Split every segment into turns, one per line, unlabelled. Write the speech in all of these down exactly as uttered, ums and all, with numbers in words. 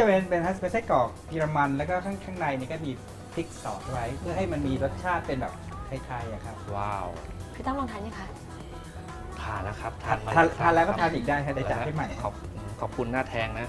จะเป็นเป็นเป็นไส้กรอกเยอรมันแล้วก็ข้างข้างในนี่ก็มีพริกซอสไว้เพื่อให้มันมีรสชาติเป็นแบบไทยๆอะครับ
ว้าว
พี่ตั้มลองทานยังคะ
ทานแล้วครับทานมา
ทาน
ครับ
ทานแล้วก็ทานอีกได้ครับได้จัดให้ใหม่
ขอบขอบคุณหน้าแทงนะ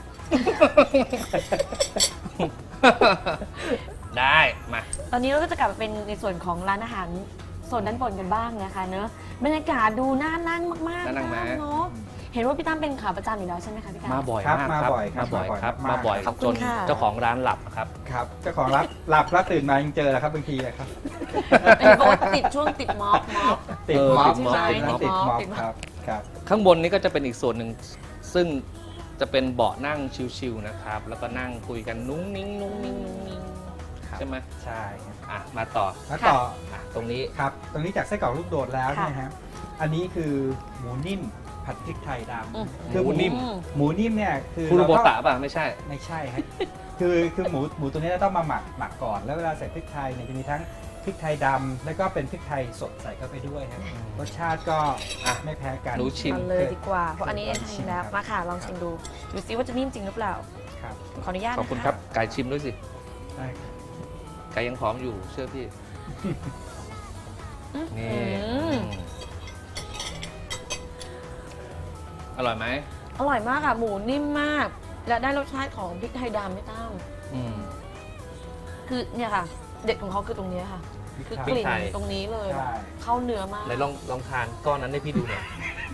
ได้มา
ตอนนี้เราก็จะกลับมาเป็นในส่วนของร้านอาหารโซนด้านบนกันบ้างนะคะเนอะบรรยากาศดูน่านั่งมากๆ
น่านั่งไหม
เนาะเห็นว่าพี่ตั้มเป็นขาประจำอยู่แล้วใช่ไหมคะพี่ตั้ม
มาบ่อย
ครับ
มาก
มา
ครับ
บ่อยครับ
มาบ่อยครับ
มา
มา
บ่
บ่
อ
อย ย
ขอบคุ
จ
ณ
น
ค่ะ
เจ้าของร้านหลับครับ
ครับเจ้าของรับหลับแล้วตื่นมายังเจอแหละครับบางทีอะครับ
เห็นบอกว่าติดช่วงติดม็อบม็อบ
ติด
เออ
ม็อบ
ติดม็อบ
ใช่ครับ
ติ
ติ
ด
ด
ม็
ม็
อ
อ
บบ ติดม็อบ
ครับครับ
ข้างบนนี้ก็จะเป็นอีกส่วนหนึ่งซึ่งจะเป็นเบาะนั่งชิลๆนะครับ แล้วก็นั่งคุยกันนุ้งนิ้งนุ้งนิ้งนุ้งนิ้ง
ครับ
ใช่ไหม
ใช่ครับ
อ่ะมาต่อ
แล้วต่อ
อ่ะตรงนี้
ครับตรงนี้จากไส้กรอกลูกโดดแล้ว
ค่ะ
เนี่ยฮะอันนี้คือหมูนิ่มผัดพริกไทยด
อืม
ำคือ
หมูนิ่ม
หมูนิ่มเนี่ยคือ
คุโร
เรา
โบ
ต้อง
ตะป่ะไม่ใช่
ไม่ใช่ครับคือคือหมูหมูตัวนี้เราต้องมาหมักหมักก่อน แล้วเวลาใส่พริกไทยเนี่ยจะมีทั้งพริกไทยดำแล้วก็เป็นพริกไทยสดใส่เข้าไปด้วยครับรสชาติก็
อ่ะ
ไม่แพ้กัน
หนูชิม
มาเลยดีกว่า เพราะอันนี้
ล
เอ็
อน งชิ
ชิ
ม
มแล้ว
ครับ
มาค่ะลองชิมดูดูซิว่าจะนิ่มจริงหรือเปล่า
ครับ
ขออนุญาต
ขอบคุณ
นะะ
ครับไก่ชิมด้วยสิ
ได้ครับ
ไก่ยังพร้อมอยู่เชื่อพี่
อื้อ
นี่
หือ
อืมอร่อยไหม
อร่อยมากค่ะหมูนิ่มมาก และได้รสชาติของพริกไทยดำไม่ตั้ม
อืม
คือเนี่ยค่ะ เด็ดของเขาคือตรงเนี้ยค่ะ คือกลิ่น
พริกไทย
ตรงนี้เลย
ใช่
เข้าเนื้อมาก
ไหนลองลองทานก้อนนั้นให้พี่ดูหน่อย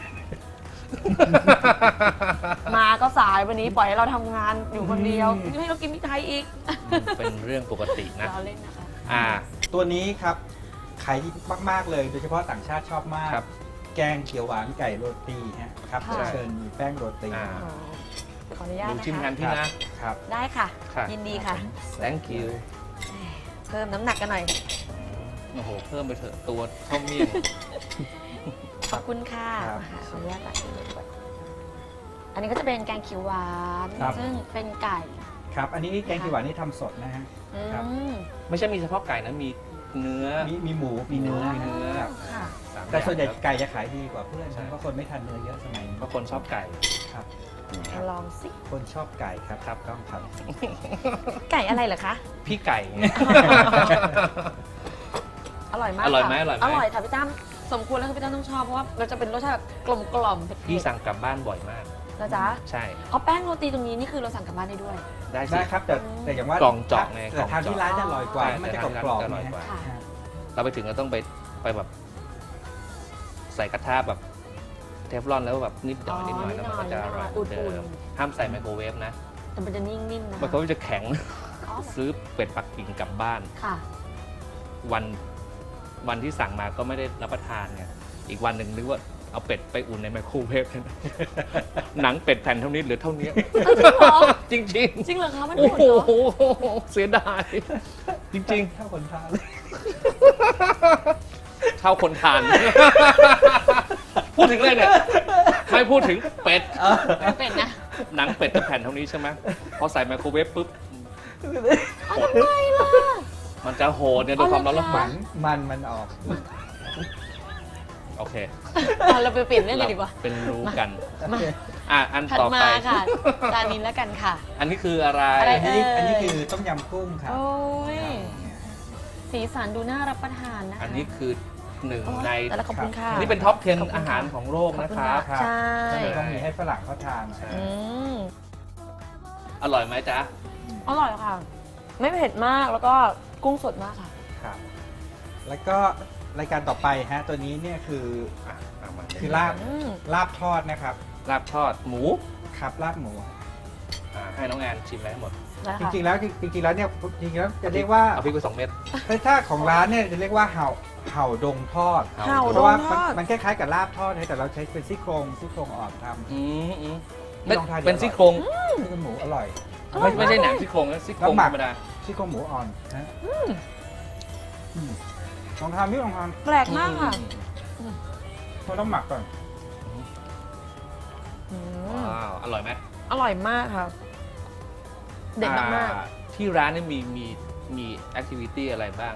มาก็สายวันนี้ปล่อยให้เราทำงานอยู่คนเดียวให้เรากินพริกไทยอีก
เป็นเรื่องปกตินะ
เราเล่นนะคะ
อ่า
ตัวนี้ครับขายดีมากๆเลยโดยเฉพาะต่างชาติชอบมาก
ครับ
แกงเขียวหวานไก่โรตีฮะครับ
ค่ะ
เชิญมีแป้งโรตี
อ่า
อ๋อขออนุญาต
ดู
นะ
ชิมกั
คะ
นพี่นะ
ครับ
ได้ค่ะ
ค่ะ
ยินดีค่ะ
thank you
เพิ่มน้ำหนักกันหน่อย
โอ้โห เพิ่มไปเถอะตัวเท่าเมี่ยง
ขอบคุณค่ะ
ครับ
ค่ะขออนุญาตตัดเลยด้วยอันนี้ก็จะเป็นแกงเขียวหวาน
ครับ
ซึ่งเป็นไก่
ครับ อันนี้แกงเขียวหวานนี่ทำสดนะฮะ
อื
ครับ
ม
ไม่ใช่มีเฉพาะไก่นะ มีเนื้อ
มีมีหมูมีเนื้อ
มีเนื้อ
ครับ
ค่ะ
สาม
แต่ส่วนใหญ่
อย่าง
ไก่จะขายดีกว่าเพื่อน
ใช่
เพราะคนไม่ทานเนื้อเยอะสมัยนี้
เพราะคนชอบไก่
ครับ
มาลองสิ
คนชอบไก่ครับ
ครับ
ต้องครับ
ไก่อะไรเหรอคะ
พี่ไก่ไง
อร่อยมาก
อร่อย
ค่ะ
ไหมอร่อยไหม
อร่อยค่ะพี่ตั้มสมควรแล้วค่ะพี่ตั้มต้องชอบเพราะว่าเราจะเป็นรสชาติแบบกลมกล่อมๆเผ็ด
พี่สั่งกลับบ้านบ่อยมาก
ๆนะจ๊ะ
ใช่
เอาแป้งโรตีตรงนี้นี่คือเราสั่งกลับบ้านได้ด้วย
ได้สิ
ได้ครับแต่แต่อย่างว่าก
ล่องเจาะไง
แต่ทานที่ร้านจะอร่อยกว่า
ใช่
มันจะ
แต่
กร
ทาน
อบ
ที่
กรอบ
ร้านจะอร่อยกว่า
ค่ะ
เราไปถึงเราต้องไปไปแบบ ใส่กระทะแบบเทฟลอนแล้วแบบนิดหน่อยนิดหน่อยแล้วมันก็จะอร่อยเหมือนเดิมห้ามใส่ไมโครเวฟนะ
แต่มันจะนิ่มๆนะ
ไมโครเวฟจะแข็ง
อ๋อ
ซื้อเป็ดปักกิ่งกลับบ้าน
ค่ะ
วันวันที่สั่งมาก็ไม่ได้รับประทานไงอีกวันหนึ่งนึกว่าเอาเป็ดไปอุ่นในไมโครเวฟ หนังเป็ดแผ่นเท่านี้เหลือเท่านี้ จริงจริง
จริงเหรอคะมัน
โอ้
หมด
โห
เหรอ
เสียดาย จริง
ถ้าคนทาน
ๆ เท่าคนทาน พูดถึงเลยเนี่ยไม่พูดถึงเป็ด
ไม่เป็นนะ
หนังเป็ดจะแผ่นเท่านี้ใช่ไหมพอใส่ไมโครเวฟปุ๊บ
เอาทำไมล่ะ
มันจะโหดเนี่ยด้วยความร้อนแล้ว
เอา
ห
ละ
มันมันมันออก
โอเค
อ่ะเราไปเปลี่ยนเรื่องเลยดีกว่า
เป็นรู้กัน
มา
อ่ะอัน
ถัด
ต่อ
มา
ไป
ค่ะจานนี้แล้วกันค่ะ
อันนี้คืออะไร
อะไร
อันนี้อันนี้คือต้มยำกุ้งครับ
โอ้ย สีสันดูน่ารับประทานนะคะ
อันนี้คือหนึ่ง
โอ้ย
ใน
แต่ละขอบคุณค่ะ
นี่เป็นท็อปสิบ
ขอบคุณค่ะ
อาหารของโลก
ขอบ
นะ
คุณ
ครับ
ค่ะ ใช่
ก็เลยต้องมีให้ฝรั่งเขาทาน
ใช่
อืม
อร่อยไหมจ๊ะ
อร่อยค่ะ ไม่เผ็ดมากแล้วก็กุ้งสดมากค่ะ
ครับ แล้วก็รายการต่อไปฮะตัวนี้เนี่ยคือ
อ่ะเอามา
คือลาบ
อืม
ลาบทอดนะครับ
ลาบทอดหมู
ครับลาบหมู
อ่ะให้น้องแอนชิมไปให้หมด
นะ
จ
คะ
ริงๆแล้วจริงๆแล้วเนี่ยจริงๆแล้วจะเรียกว่า
เอาพริกไปสองเม็ด
ถ้าของร้านเนี่ยจะเรียกว่าเห่าเห่าดงทอด
เห่า
เพ
ด
ราะ
ง
ว่า
ท
มัน
อด
มันคล้ายๆกับลาบทอดนะแต่เราใช้เป็นซี่โครงซี่โครงอ่อนทำ
อืมอืม
ไม่ต้องทานเดี๋ยว
เป็นซี่โครง
ซี่โครงหมูอร่อย
ไม่ไม่ใช่หนังซี่โครงนะซี่โครง
แล้วหมั
ธ
ก
รรมดา
ซี่โครงหมูอ่อนนะอืมลองทานนี่ลองทาน
แปลกมากค่ะ
เราต้องหมักก่อน
อืม
ว้าวอร่อยไหม
อร่อยมากค่ะ เด็ดมาก
อ่ที่ร้านนี่มีมีมีแอคทิวิตี้อะไรบ้าง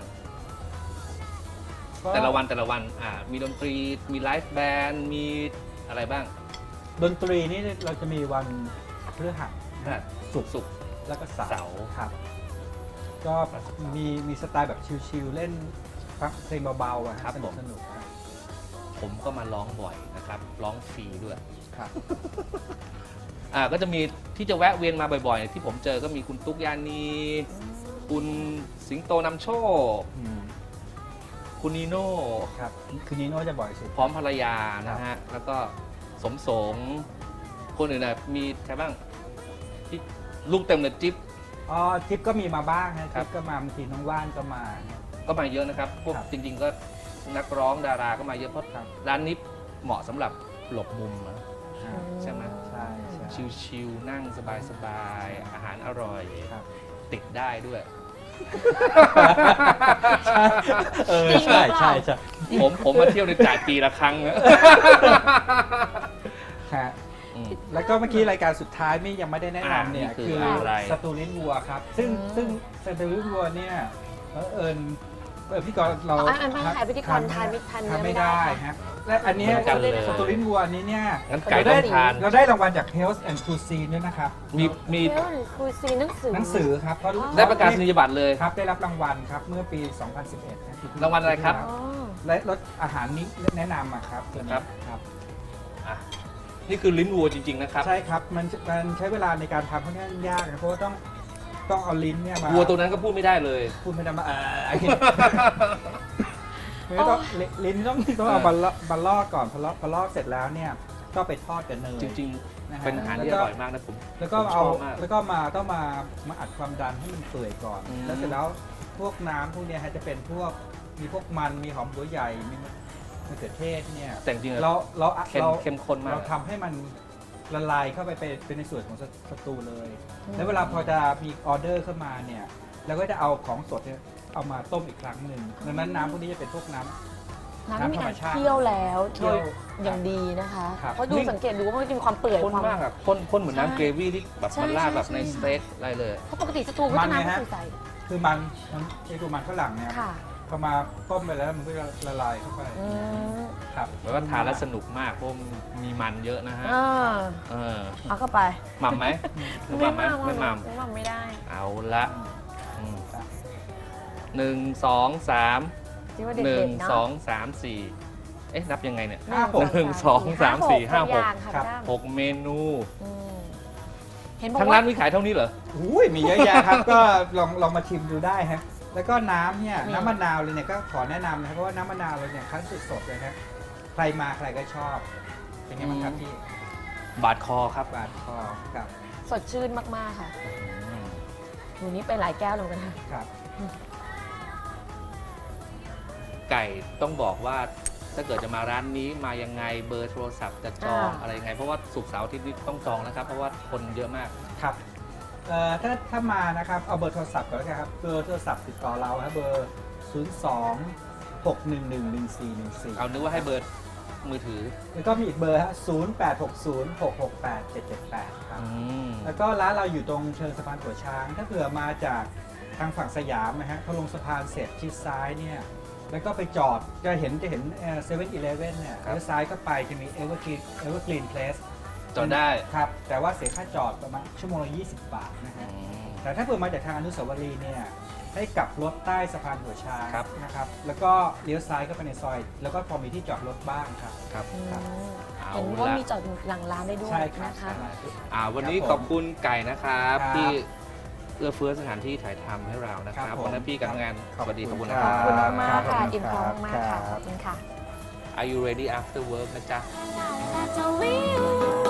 แต่ละวันแต่ละวันอ่ามีดนตรีมีไลฟ์แบนด์มีอะไรบ้าง
ดนตรีนี่เราจะมีวันพฤหัส
นะ
ศุกร์
สุกร์
แล้วก็เสา
เสา
ครับ ก็มีมีสไตล์แบบชิลๆเล่นฟังเพลงเบาๆอะครับสนุกสนุกครับ
ผมก็มาร้องบ่อยนะครับ ร้องฟรีด้วย
ครับ
อ่าก็จะมีที่จะแวะเวียนมาบ่อยๆ ที่ผมเจอก็มีคุณตุ๊กยานี คุณสิงโตนำโชค
อืม
คุณนีโน่
ครับคือนีโน่จะบ่อยสุด
พร้อมภรรยานะฮะ แล้วก็สมสงคนอื่นนะมีใครบ้างที่ลูกเต็มเลยจิ๊บ
อ๋อทิปก็มีมาบ้างฮะ
ครั
ทิ
บ
ปก็มาบางทีน้องว่านก็มา
ก็มาเยอะนะครับ พวก
ครับ
จริง ๆ ก็นักร้องดาราก็มาเยอะเพราะ
ครับ
ร้านนี้เหมาะสำหรับหลบมุมนะ
อ่า
ใช่ไหม
ใช่ใช่
ชิลๆนั่งสบายๆอาหารอร่อย
ครับ
ติดได้ด้วย
เออใช่ใช่ใช่
ผมผมมาเที่ยวในจ่ายปีละครั้งนะ
ฮะ
อืม
แล้วก็เมื่อกี้รายการสุดท้ายไม่ยังไม่ได้แนะนำเนี่ย
อ่านี่คื
คือ อ
อะไร
สตูลิ้นวัวครับ ซึ่ง
อืม
ซึ่งสตูลิ้นวัวเนี่ยเผอิญเออพี่กรณ์เรา
อ๋ออันไม่ค่ะพิธีกรทานไม่ทานเนื้อ
ทำ
ไม่
ไม่
ได้
ได้
ค่ะ
ฮะและอันเนี้ย
เหมือนกันเลย
สตูลิ้นวัวอันนี้เนี่ย
งั้นไก่
เรา
ต้
ได้
องทาน
เราได้รางวัลจาก Health and Cuisine ด้วยนะครับ
มีมี
เรื่องคุยซีหนังสือ
หนังสือครับเพราะ
อ๋อ
ได้ประกาศนียบัตรเลย
ครับได้รับรางวัลครับเมื่อปี สองพันสิบเอ็ดนะปีที่
รางวัลอะไรครับ
อ๋อ
และรสอาหารนี้แนะนำอะครับ
ครับ
ครับ
อ่ะนี่คือลิ้นวัวจริง ๆ นะครับ
ใช่ครับมันมันใช้เวลาในการทำค่อนข้างยากนะเพราะว่าต้องต้องเอาลิ้นเนี่ยมา
วัวตัวนั้นก็พูดไม่ได้เลย
พูดไม่ได้มาเออไม่ต้องลิ้นต้องต้องเอามาลอกมาลอกก่อนพอลอกพอลอกเสร็จแล้วเนี่ยก็ไปทอดกับเนย
จริง
นะ
ๆ
ฮะ
เป็นอาหารที่อร่อยมากนะผม
แล้วก็
ผมช
เอา
อบมาก
แล้วก็มาต้องมามาอัดความดันให้มันเปื่อยก่อน
อืม
แล้วเสร็จแล้วพวกน้ำพวกเนี้ยฮะจะเป็นพวกมีพวกมันมีหอมหัวใหญ่มีมะเขือเทศเนี่ย
แต่จริงๆ
เราเรา
เข้ม
เรา
เข้มข้นมาก
เราทำให้มันละลายเข้าไปเป็นเป็นในส่วนของสสตูเลย
อืม
แล้วเวลาพอจะมีออเดอร์เข้ามาเนี่ยเราก็จะเอาของสดเนี่ยเอามาต้มอีกครั้งหนึ่งดังนั้นน้ำพวกนี้จะเป็นพวกน้ำ
น้ำมี
น้ำธรรม
การ
ชาติ
เคี่ยวแล้ว
เคี่ยว
อย่างดีนะคะ
ครับ
เพราะดูสังเกตดูว่ามันจะมีความเปื่อย
ข้น
ความ
มากอะข้นข้นเหมือน
ใช่
น้ำเกรวี่ที่แบบ
ใช่
มันราดแบบ
ใช่
ใน
ใช่
สเต็กอะไรเลย
เพราะปกติสตูก็
มั
จะ
นไง
น้ำ
ฮะ
ไม่ใส่
คือมันมันไอ้ตัวมันฝรั่งเนี่ย
ค่ะ
พอมาต้มไปแล้วมันก็จะละลายเข้าไป
อืม
ครับ
แล้วก็ทานแล้วสนุกมากเพราะมีมันเยอะนะฮะ
อ่า
เออ
เอาเข้าไป
หม่ำไหมหรือหม่ำไหมไม่หม่
ไม่มั่มไม่ได้
ำเอาละอืมหนึ่งสองสาม
ที่ว่า
ห
เด็
นึ่ง
ดๆเนาะ
สองสามสี่เอ๊ะนับยังไงเนี่ย
ห้าหก
หนึ่งสองสามสี่ห้าหก
อย่างค่ะ
ครับ
พี่ตั้ม
หกเมนู
อืมเห็นบอก
ทั้ง
ว่า
ร้านมีขายเท่านี้เหรอ
อุ้ยมีเยอะแยะครับ ก็ลองลองมาชิมดูได้ฮะแล้วก็น้ำเนี่ย
มี
น้ำมะนาวเลยเนี่ยก็ขอแนะนำนะครับเพราะว่าน้ำมะนาวเราเนี่ยคั้นสดๆเลยครับใครมาใครก็ชอบ เป็นไงบ้างครับพี่
บาดคอครับ
บาดคอครับ
สดชื่นมาก ๆ ค่ะ
อืม
หนูนี้ไปหลายแก้วเลยนะคะ
ครับ
ไก่ต้องบอกว่าถ้าเกิดจะมาร้านนี้มายังไงเบอร์โทรศัพท์จะจอง
อ่า
อะไรยังไง เพราะว่าศุกร์เสาร์อาทิตย์นี้ต้องจองนะครับ เพราะว่าคนเยอะมาก
ครับเอ่อถ้าถ้ามานะครับเอาเบอร์โทรศัพท์ก่อนแล้วกันครับเบอร์โทรศัพท์ติดต่อเราครับเบอร์ ศูนย์ สอง หก หนึ่ง หนึ่ง หนึ่ง สี่ หนึ่ง สี่
เอานึกว่าให้เบอร์มือถือ
แล้วก็มีอีกเบอร์ฮะศูนย์ แปด หก ศูนย์ หก หก แปด เจ็ด เจ็ด แปดครับ
อืม
แล้วก็ร้านเราอยู่ตรงเชิงสะพานหัวช้าง ถ้าเผื่อมาจากทางฝั่งสยามนะฮะพอลงสะพานเสร็จชิดซ้ายเนี่ย แล้วก็ไปจอดจะเห็นจะเห็นเซเว่นอีเลฟเว่นเนี่ย
ครับ
เลี้ยวซ้ายก็ไปจะมีเอเวอร์กรีนเอเวอร์กรีนเพลส
จอดได้
ครับ แต่ว่าเสียค่าจอดประมาณชั่วโมงละยี่สิบบาทนะ
อื
ฮะ
ม
แต่ถ้าเผื่อมาจากทางอนุสาวรีย์เนี่ย ให้กลับรถใต้สะพานหัวช้าง
ครับ
นะครับ แล้วก็เลี้ยวซ้ายก็ไปในซอย แล้วก็พอมีที่จอดรถบ้างครับ
ครับ
อืม
เอา
เห็นว่า
ละ
มีจอดหลังร้านได้ด้วย
ใช่ครับ
นะคะ
อ่าวันนี้
ครับผม
ขอบคุณไก่นะครับ
ครับ
ที่เอื้อเฟื้อสถานที่ถ่ายทำให้เรานะค
ครั
รับบ
ผม
วันนี้พี่กับงาน
ขอบ
สวัสดี
คุ
ขอบ
ณ
คุณ
ค
นะ
รั
ครับ
ขอบคุณมากๆค่ะ
ครับ
อิ่มท้องมากๆค่ะ
ค
ข
รั
อบ บคุณค่ะ
Are you ready after work นะจ๊ะ
That's all we